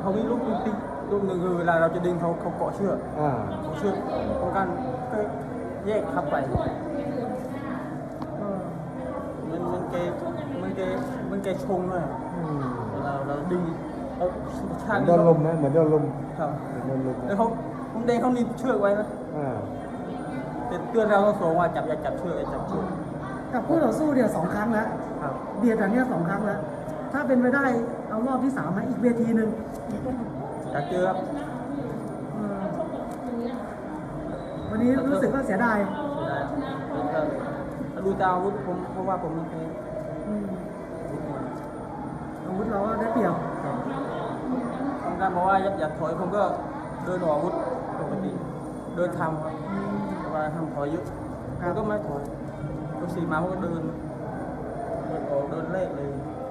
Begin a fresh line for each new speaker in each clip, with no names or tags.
เขามีลูกติ๊กลูกหนึ่งคือเวลาเราจะดึงเขาเกาะเชือกเชือกป้องกันก็แยกทับไปมันแกชงเลยเราดึงเราช่าง
โดนลมนะเหมือนโดนลม
ครับ
โดนลม
แล้วผมเด้งเขาหนีบเชือกไว้นะแต่เตือนเราต้องสองว่าอย่าจับเชือกอย่าจับเชือก
กับคู่ต่อสู้เนี่ย2 ครั้งแล้ว
ครับ
เบียดอย่างเนี้ย2 ครั้งแล้วถ้าเป็นไปได้เอารอบที่3มาอีกเวทีหนึ่ง
อยากเจอครับ
วันนี้รู้สึกว่าเสียดาย
ถ้าดูจากอาวุธผมเพราะว่าผมมีแพ้
อาวุธเราก็ได้เปรียบ
ต้องการบอกว่าอยากถอยผมก็เดินออกอาวุธปกติเดินทำครับเวลาทำถอยเยอะผมก็ไม่ถอยก็สีมาผมก็เดินออกเดินเลขเลย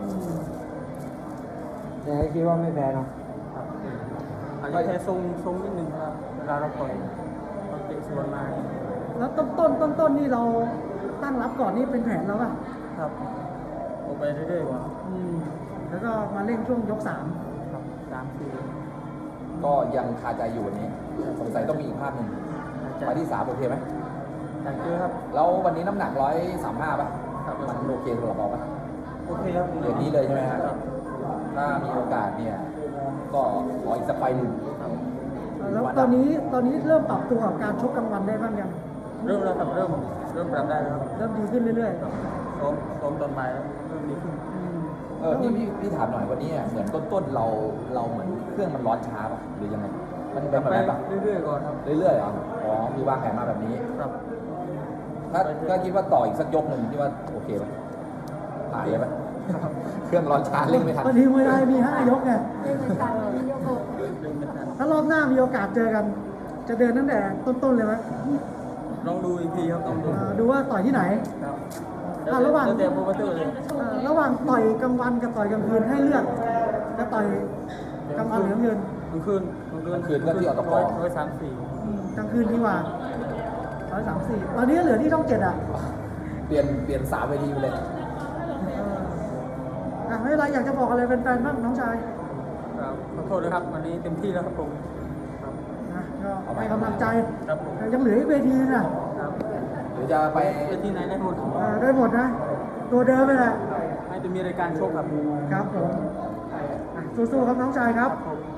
ยังไงคิดว่าไม่แพ้เนาะ
อาจจะแค่ทรงนิดนึงครับเวลาเราต่อยเราเตะสวนมา
แล้วต้นนี่เราตั้งรับก่อนนี่เป็นแผนแล้วป่ะ
ครับออกไปเรื่อยๆว่ะ
แล้วก็มาเร่งช่วงยก
ครับ3-4
ก็ยังคาใจอยู่วันนี้สงสัยต้องมีอีกภาพหนึ่งไปที่3โอเคไหม
อยากเจอครับ
แล้ววันนี้น้ำหนัก135ป่ะ
ครับ
มันโอเคสำหรับเราป่ะ
โอเคครับ
เดือนนี้เลยใช่ไหมฮะ
ครับ
ถ้ามีโอกาสเนี่ยก็ขออีกสักไฟล์หนึ่ง
ครับ
3แล้วตอนนี้เริ่มปรับตัวกับการชกกลางวันได้บ้างยัง
เริ่มแล้วครับเริ่มปรับได้แล้วครับ
เริ่มดีขึ้นเรื่อย
ซ้อมตอนบ่ายแล้วเริ่มดีขึ้น
พี่ถามหน่อยวันนี้เหมือนต้นเราเหมือนเครื่องมันร้อนช้าป่ะหรือยังไงมันเป็นแบบ
ไป
นั้นป่ะ
เรื่อยๆก่อนครับ
เรื่อยๆเหรออ๋อคือวางแผนมาแบบนี้
ครับ
ถ้าคิดว่าต่ออีกสักยกหนึ่งคิดว่าโอเคไหมผ่านเลยไหมเครื่องร้อนช้าเร่งไม่ทัน
ๆวันนี้มวยไทยมี5 ยกไง
เดินไม่ทัน
ถ้ารอบหน้ามีโอกาสเจอกัน จะเดินตั้งแต่ต้นๆเลยไหม
ลองดูอีกทีครับต้องดู
ดูว่าต่อยที่ไหน
ครับ
ระหว่าง
แล้วแต่โปรโมเตอร์เลย
ระหว่างต่อยกลางวันกับต่อยกลางคืนให้เลือกจะต่อยกลางวันหรือกลางคืน
กลางคืน
ก็ที่อตก
134
กลางคืนดีกว่า134ตอนนี้เหลือที่ช่อง7อ่ะ
เปลี่ยน3 เวทีไปเลย
ไม่เป็นไรอยากจะบอกอะไรแฟนๆบ้างน้องชาย
ครับขอโทษด้วยครับวันนี้เต็มที่แล้วครับผมครับ
นะก็ให้กำลังใจ
ครับผม
ยังเหลืออีกเวทีน่ะ
ครับ
หรือจะไป
ไปที่ไหนได้หมด
ได้หมดนะ ตัวเดิมไปแหละ
ให้จะมีรายการโชคครับ
ครับผมสู้ๆครับน้องชายครับ
ผม